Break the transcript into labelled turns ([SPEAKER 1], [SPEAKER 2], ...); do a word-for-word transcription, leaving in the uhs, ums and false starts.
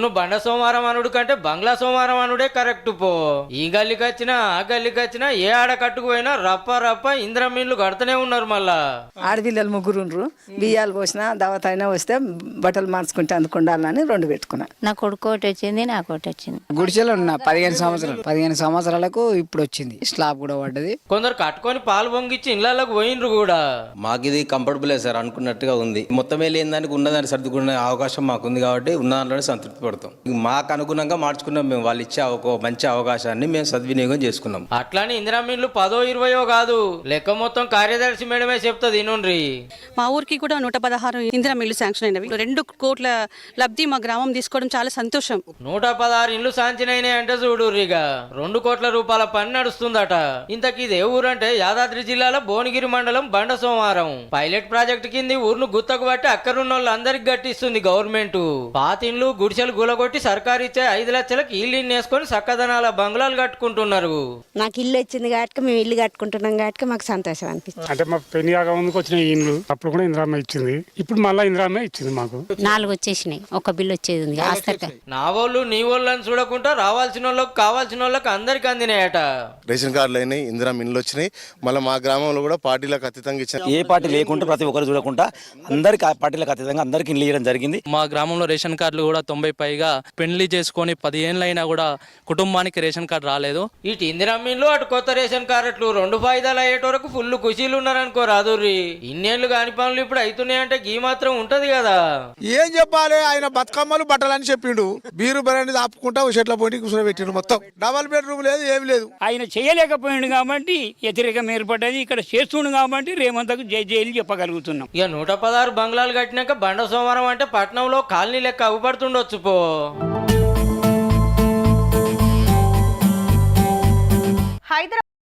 [SPEAKER 1] అవును, బండ సోమవారం అనుడు కంటే బంగ్లా సోమవారం అనుడే కరెక్ట్ పో. ఈ గల్లికి వచ్చినా ఆ గల్లికి వచ్చినా ఏ ఆడ కట్టుకుపోయినా రప్ప రప్ప ఇంద్రమీన్లు కడుతూనే ఉన్నారు. మళ్ళా
[SPEAKER 2] ఆడపిల్లలు ముగ్గురుండ్రు, బియ్యాలు పోసిన దావత అయినా వస్తే బట్టలు మార్చుకుంటే అందుకుండాలని రెండు పెట్టుకున్నా.
[SPEAKER 3] నా కొడుకు ఒకటి వచ్చింది, నాకు ఒకటి వచ్చింది.
[SPEAKER 4] గుడిసెలో ఉన్నా పదిహేను సంవత్సరాలు పదిహేను సంవత్సరాలకు ఇప్పుడు వచ్చింది, స్లాబ్ కూడా పడ్డది.
[SPEAKER 1] కొందరు కట్టుకొని పాలు పొంగిచ్చి ఇళ్లకు పోయినరు కూడా.
[SPEAKER 5] మాకు ఇది కంఫర్టబులే సార్, అనుకున్నట్టుగా ఉంది. మొత్తం వెళ్ళిన దానికి ఉన్నదాన్ని సర్దుకునే అవకాశం మాకుంది కాబట్టి ఉన్న దాంట్లోనే సంతృప్తి పడతాం. మాకు అనుగుణంగా మార్చుకున్నాం మేము. వాళ్ళు ఇచ్చే ఒక మంచి అవకాశాన్ని మేము సద్వినియోగం చేసుకున్నాం.
[SPEAKER 1] అట్లానే ఇందిరామీన్లు పదో ఇరవయో కాదు, లెక్క మొత్తం కార్యదర్శి మేడమే చెప్తుంది. నుండ్రి
[SPEAKER 6] మా ఊరికి కూడా నూట పదహారు ఇందిరా మిల్లు శాంక్షన్ అయినవి. రెండు కోట్ల లబ్ధి మా గ్రామం తీసుకోవడం చాలా సంతోషం.
[SPEAKER 1] నూట పదహారు ఇండ్లు సాంచినైనా అంటే చూడుర్రిగా రెండు కోట్ల రూపాయల పని నడుస్తుందట. ఇంతకీ ఇదే ఊరంటే యాదాద్రి జిల్లాలో భువనగిరి మండలం బండ సోమవారం. పైలట్ ప్రాజెక్టు కింది ఊరును గుత్తకు బట్టి అక్కడున్న వాళ్ళందరికి గట్టిస్తుంది గవర్నమెంట్. పాతిండ్లు గుడిసెలు గులగొట్టి సర్కారు ఇచ్చే ఐదు లక్షలకు ఇల్లు వేసుకొని చక్కదనాల బంగ్లాలు కట్టుకుంటున్నారు.
[SPEAKER 7] నాకు ఇల్లు వచ్చింది కాబట్టి మేము ఇల్లు కట్టుకుంటున్నాం కాబట్టి మాకు సంతోషం అనిపిస్తుంది.
[SPEAKER 8] అంటే మా పెళ్లి కాక ముందుకు వచ్చిన ఇండ్లు అప్పుడు కూడా ఇందిరామ్మ ఇచ్చింది, ఇప్పుడు మళ్ళీ ఇందిరామ్మ ఇచ్చింది మాకు.
[SPEAKER 3] నాలుగు వచ్చేసినాయి, ఒక బిల్లు వచ్చేది ఉంది.
[SPEAKER 1] నా వాళ్ళు నీ వాళ్ళని చూడకుండా రావాల్సిన వాళ్ళకి కావాల్సిన వాళ్ళకి అందరికి అందినాయట.
[SPEAKER 9] రేషన్ కార్డులు అయినాయి, ఇందిరామ్మ ఇండ్లు వచ్చినాయి. మళ్ళీ మా గ్రామంలో కూడా పార్టీలకు అతీతంగా ఇచ్చారు.
[SPEAKER 10] ఏ పార్టీ లేకుండా ప్రతి ఒక్కరు చూడకుండా అందరికి పార్టీలకు అతీతంగా అందరికి ఇల్లు ఇవ్వడం జరిగింది.
[SPEAKER 11] మా గ్రామంలో రేషన్ కార్డులు కూడా తొంభై పైగా పెళ్లి చేసుకొని పదిహేనులైనా కూడా కుటుంబానికి రేషన్ కార్డు రాలేదు.
[SPEAKER 1] ఇటు ఇందిరామీన్లు అటు కొత్త రేషన్ కార్డులు రెండు ఫాయిదాలు అయ్యేట వరకు ఫుల్ ఖుషీలు ఉన్నారనుకో రాదుర్రి. ఇన్నేళ్లు కాని పనులు ఇప్పుడు అవుతున్నాయంటే గీ మాత్రం ఉంటది కదా.
[SPEAKER 12] ఏం చెప్పాలి, ఆయన బతుకమ్మలు బట్టలని చెప్పిండు. బీరు బరాన్ని ఆపుకుంటా చెట్ల పోటీ కూర్చోబెట్టిండు. మొత్తం డబల్ బెడ్రూమ్ లేదు, ఏమి లేదు.
[SPEAKER 4] ఆయన చేయలేకపోయిండు కాబట్టి వ్యతిరేకం ఏర్పడ్డది. ఇక్కడ చేస్తుండు కాబట్టి రేమంతకు జై జైలు చెప్పగలుగుతున్నాం.
[SPEAKER 1] ఇక నూట పదహారు బంగ్లాలు కట్టినాక బండ సోమవారం అంటే పట్నంలో కాలనీ లెక్క అవ్వబడుతుండొచ్చు పో.